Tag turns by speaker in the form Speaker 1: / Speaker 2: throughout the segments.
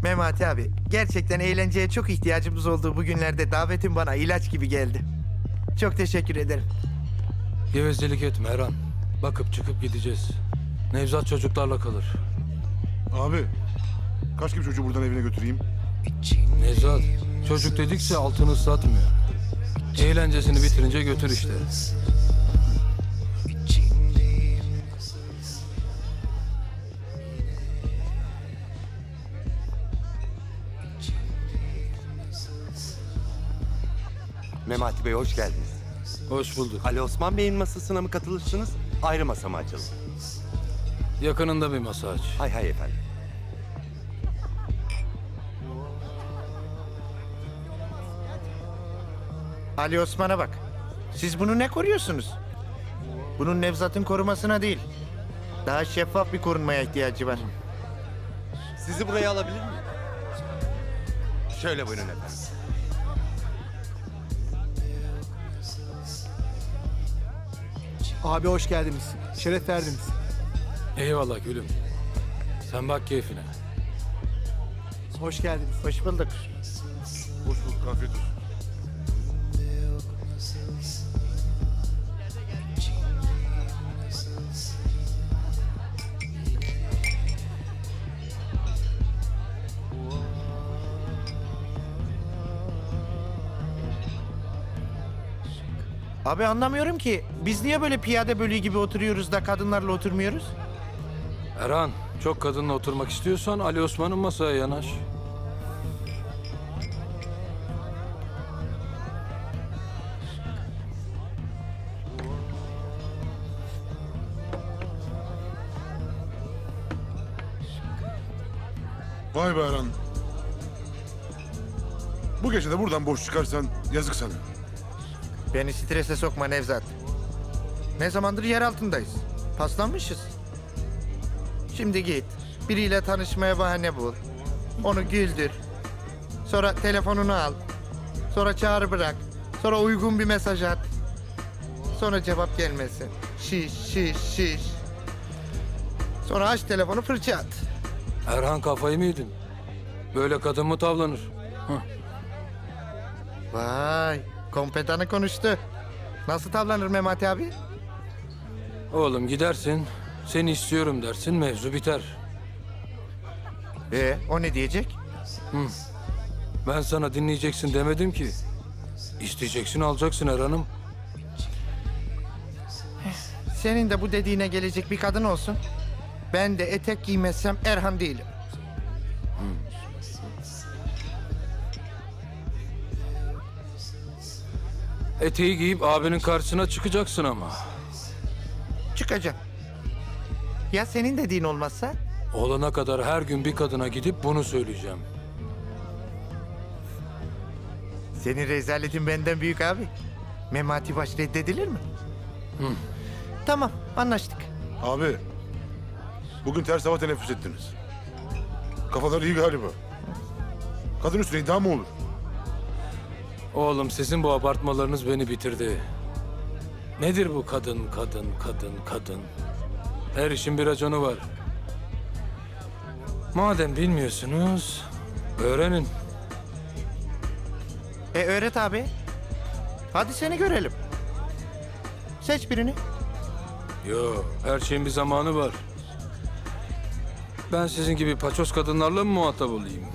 Speaker 1: Memati abi, gerçekten eğlenceye çok ihtiyacımız olduğu bu günlerde davetin bana ilaç gibi geldi. Çok teşekkür ederim.
Speaker 2: Gevezelik etme Erhan. Bakıp çıkıp gideceğiz. Nevzat çocuklarla kalır.
Speaker 3: Abi, kaç gibi çocuğu buradan evine götüreyim?
Speaker 2: Nevzat, çocuk dedikçe altını ıslatmıyor. Eğlencesini bitirince götür işte.
Speaker 4: Memati Bey hoş geldiniz.
Speaker 2: Hoş bulduk.
Speaker 4: Ali Osman Bey'in masasına mı katılırsınız? Ayrı masa mı açalım?
Speaker 2: Yakınında bir masa aç.
Speaker 4: Hay hay efendim.
Speaker 1: Ali Osman'a bak. Siz bunu ne koruyorsunuz? Bunun Nevzat'ın korumasına değil. Daha şeffaf bir korunmaya ihtiyacı var.
Speaker 4: Sizi buraya alabilir miyim? Şöyle buyurun efendim.
Speaker 5: Abi hoş geldiniz. Şeref verdiniz.
Speaker 2: Eyvallah gülüm. Sen bak keyfine.
Speaker 5: Hoş geldiniz.
Speaker 1: Hoş bulduk.
Speaker 3: Hoş bulduk, afiyet olsun.
Speaker 1: Abi anlamıyorum ki. Biz niye böyle piyade bölüğü gibi oturuyoruz da kadınlarla oturmuyoruz?
Speaker 2: Erhan, çok kadınla oturmak istiyorsan Ali Osman'ın masaya yanaş.
Speaker 3: Vay be Erhan. Bu gece de buradan boş çıkarsan yazık sana.
Speaker 1: Beni strese sokma Nevzat. Ne zamandır yer altındayız. Paslanmışız. Şimdi git. Biriyle tanışmaya bahane bul. Onu güldür. Sonra telefonunu al. Sonra çağrı bırak. Sonra uygun bir mesaj at. Sonra cevap gelmesin. Şiş şiş şiş. Sonra aç telefonu fırça at.
Speaker 2: Erhan kafayı mı yedin? Böyle kadın mı tavlanır?
Speaker 1: Vay, kompetanı konuştu. Nasıl tavlanır Memati abi?
Speaker 2: Oğlum gidersin, seni istiyorum dersin, mevzu biter.
Speaker 1: O ne diyecek?
Speaker 2: Ben sana dinleyeceksin demedim ki. İsteyeceksin, alacaksın Erhan'ım.
Speaker 1: Senin de bu dediğine gelecek bir kadın olsun. Ben de etek giymezsem Erhan değilim.
Speaker 2: Eteği giyip abinin karşısına çıkacaksın ama.
Speaker 1: Çıkacağım. Ya senin dediğin olmazsa?
Speaker 2: Olana kadar her gün bir kadına gidip bunu söyleyeceğim.
Speaker 1: Senin rezaletin benden büyük abi. Memati baş reddedilir mi? Tamam, anlaştık.
Speaker 3: Abi, bugün ters hava teneffüs ettiniz. Kafaları iyi galiba. Kadın üstüne iddia mı olur?
Speaker 2: Oğlum sizin bu abartmalarınız beni bitirdi. Nedir bu kadın, kadın, kadın, kadın? Her işin bir raconu var. Madem bilmiyorsunuz, öğrenin.
Speaker 1: Öğret abi. Hadi seni görelim. Seç birini.
Speaker 2: Yo, her şeyin bir zamanı var. Ben sizin gibi paçoz kadınlarla mı muhatap olayım?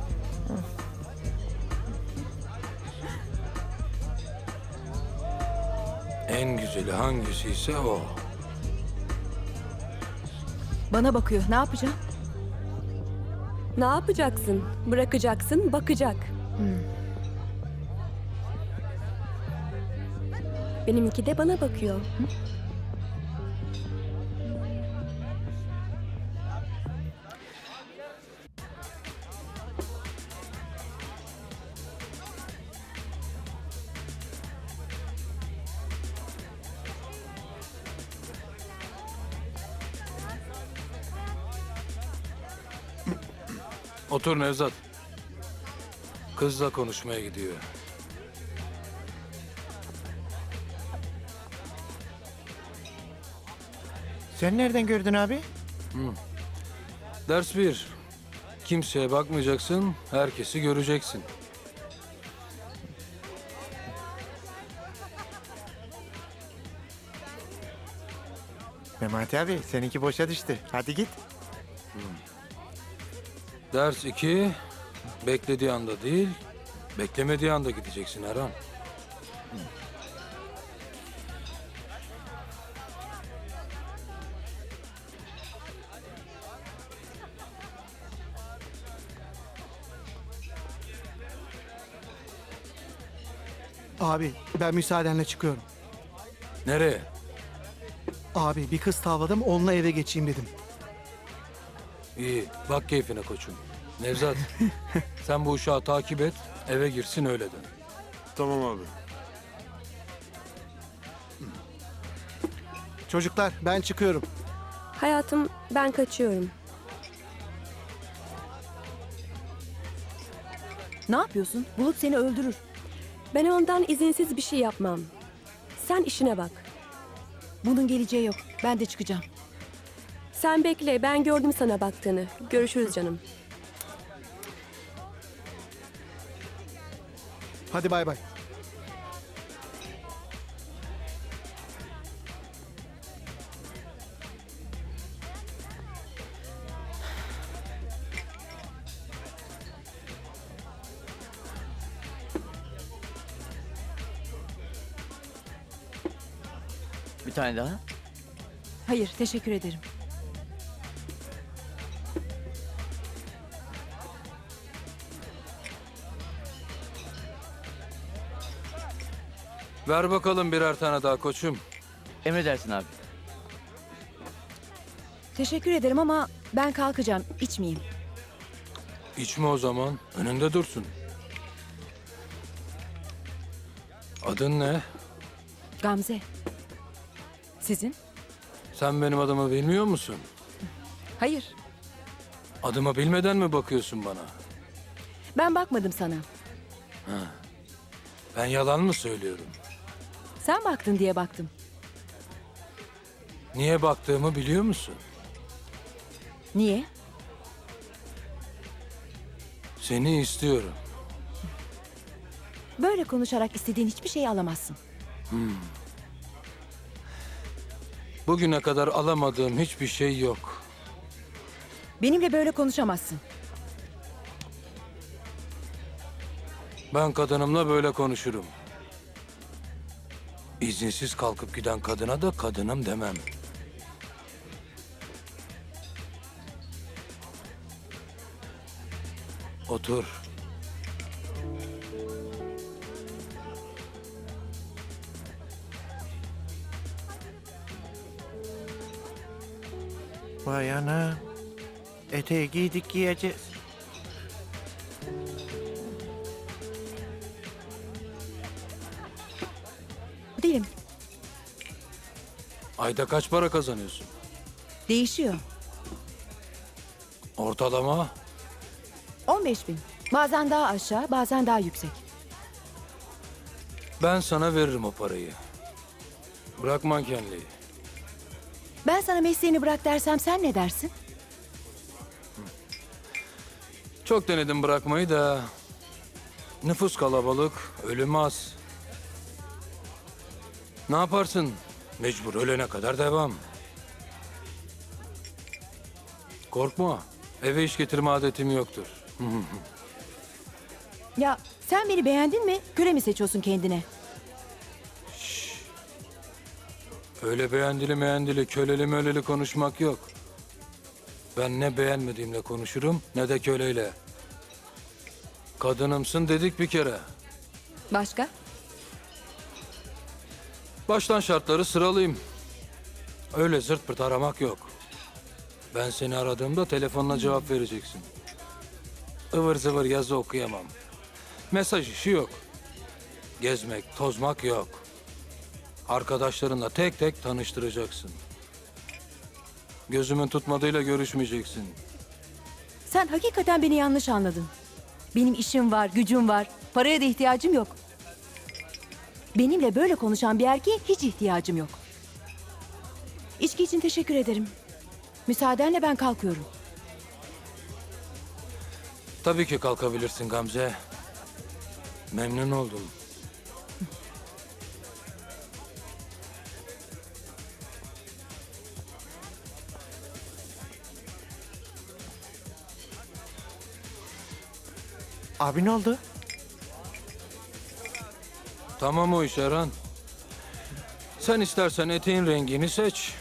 Speaker 2: En güzeli hangisi ise o.
Speaker 6: Bana bakıyor. Ne yapacağım?
Speaker 7: Ne yapacaksın? Bırakacaksın, bakacak. Benimki de bana bakıyor.
Speaker 2: Otur Nevzat. Kızla konuşmaya gidiyor.
Speaker 1: Sen nereden gördün abi?
Speaker 2: Ders bir. Kimseye bakmayacaksın, herkesi göreceksin.
Speaker 1: Memati abi seninki boşa düştü. Hadi git.
Speaker 2: Ders 2, beklediği anda değil, beklemediği anda gideceksin Erhan.
Speaker 5: Abi ben müsaadenle çıkıyorum.
Speaker 2: Nereye?
Speaker 5: Abi bir kız tavladım onunla eve geçeyim dedim.
Speaker 2: İyi, bak keyfine koçum. Nevzat, sen bu uşağı takip et, eve girsin öyle dön.
Speaker 3: Tamam abi.
Speaker 5: Çocuklar ben çıkıyorum.
Speaker 7: Hayatım, ben kaçıyorum.
Speaker 6: Ne yapıyorsun? Bulut seni öldürür.
Speaker 7: Ben ondan izinsiz bir şey yapmam. Sen işine bak.
Speaker 6: Bunun geleceği yok. Ben de çıkacağım.
Speaker 7: Sen bekle, ben gördüm sana baktığını. Görüşürüz canım.
Speaker 5: Hadi bay bay.
Speaker 8: Bir tane daha.
Speaker 6: Hayır, teşekkür ederim.
Speaker 2: Ver bakalım birer tane daha koçum.
Speaker 8: Emredersin abi.
Speaker 6: Teşekkür ederim ama ben kalkacağım. İçmeyeyim.
Speaker 2: İçme o zaman, önünde dursun. Adın ne?
Speaker 6: Gamze. Sizin?
Speaker 2: Sen benim adımı bilmiyor musun?
Speaker 6: Hayır.
Speaker 2: Adımı bilmeden mi bakıyorsun bana?
Speaker 6: Ben bakmadım sana.
Speaker 2: Ben yalan mı söylüyorum?
Speaker 6: Sen baktın diye baktım.
Speaker 2: Niye baktığımı biliyor musun?
Speaker 6: Niye?
Speaker 2: Seni istiyorum.
Speaker 6: Böyle konuşarak istediğin hiçbir şeyi alamazsın.
Speaker 2: Bugüne kadar alamadığım hiçbir şey yok.
Speaker 6: Benimle böyle konuşamazsın.
Speaker 2: Ben kadınımla böyle konuşurum. İzinsiz kalkıp giden kadına da kadınım demem. Otur.
Speaker 1: Vay ana. Eteği giydik giyeceğiz.
Speaker 6: Değilim.
Speaker 2: Ayda kaç para kazanıyorsun?
Speaker 6: Değişiyor.
Speaker 2: Ortalama
Speaker 6: 15.000. Bazen daha aşağı, bazen daha yüksek.
Speaker 2: ben sana veririm o parayı. Bırak mankenliği.
Speaker 6: Ben sana mesleğini bırak dersem sen ne dersin?
Speaker 2: Çok denedim bırakmayı da nüfus kalabalık, ölüm az. Ne yaparsın? Mecbur ölene kadar devam. Korkma. Eve iş getirme adetim yoktur.
Speaker 6: Ya sen beni beğendin mi? Köle mi seçiyorsun kendine?
Speaker 2: Öyle beğendili meğendili, köleli möleli konuşmak yok. Ben ne beğenmediğimle konuşurum ne de köleyle. Kadınımsın dedik bir kere.
Speaker 6: Başka?
Speaker 2: Baştan şartları sıralayayım. Öyle zırt pırt aramak yok. Ben seni aradığımda telefonla cevap vereceksin. Ivır zıvır yazı okuyamam. Mesaj işi yok. Gezmek, tozmak yok. Arkadaşlarınla tek tek tanıştıracaksın. Gözümün tutmadığıyla görüşmeyeceksin.
Speaker 6: Sen hakikaten beni yanlış anladın. Benim işim var, gücüm var. Paraya da ihtiyacım yok. Benimle böyle konuşan bir erkeğe hiç ihtiyacım yok. İçki için teşekkür ederim. Müsaadenle ben kalkıyorum.
Speaker 2: Tabii ki kalkabilirsin Gamze. Memnun oldum.
Speaker 5: Abi ne oldu?
Speaker 2: Tamam o iş Erhan. Sen istersen eteğin rengini seç.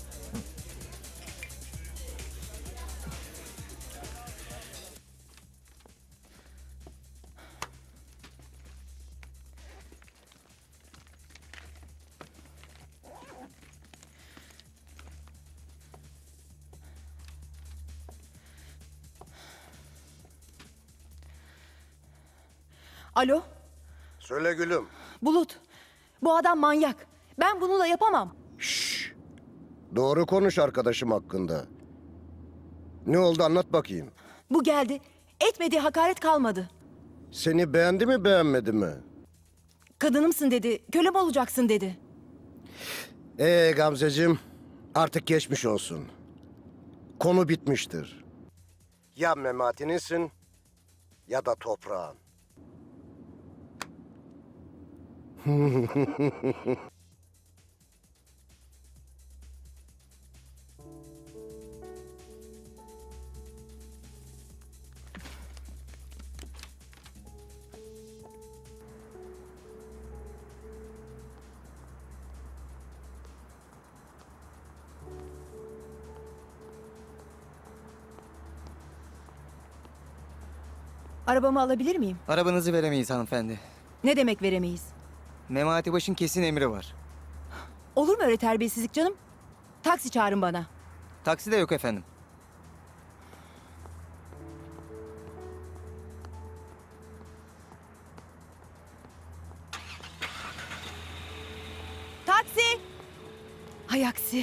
Speaker 6: Alo,
Speaker 9: Söyle gülüm.
Speaker 6: Bulut. Bu adam manyak. Ben bununla yapamam.
Speaker 9: Doğru konuş arkadaşım hakkında. Ne oldu anlat bakayım.
Speaker 6: Bu geldi. Etmediği hakaret kalmadı.
Speaker 9: Seni beğendi mi beğenmedi mi?
Speaker 6: Kadınımsın dedi, kölem olacaksın dedi.
Speaker 9: Gamzeciğim artık geçmiş olsun. Konu bitmiştir. Ya Memati'ninsin ya da toprağın.
Speaker 6: Arabamı alabilir miyim?
Speaker 10: Arabanızı veremeyiz hanımefendi.
Speaker 6: Ne demek veremeyiz?
Speaker 10: Memati Baş'ın kesin emri var.
Speaker 6: Olur mu öyle terbiyesizlik canım? Taksi çağırın bana.
Speaker 10: Taksi de yok efendim.
Speaker 6: Taksi! Hay aksi.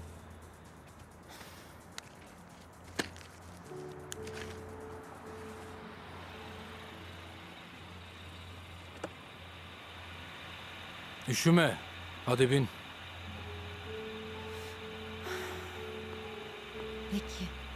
Speaker 2: Üşüme. Hadi bin.
Speaker 6: Peki.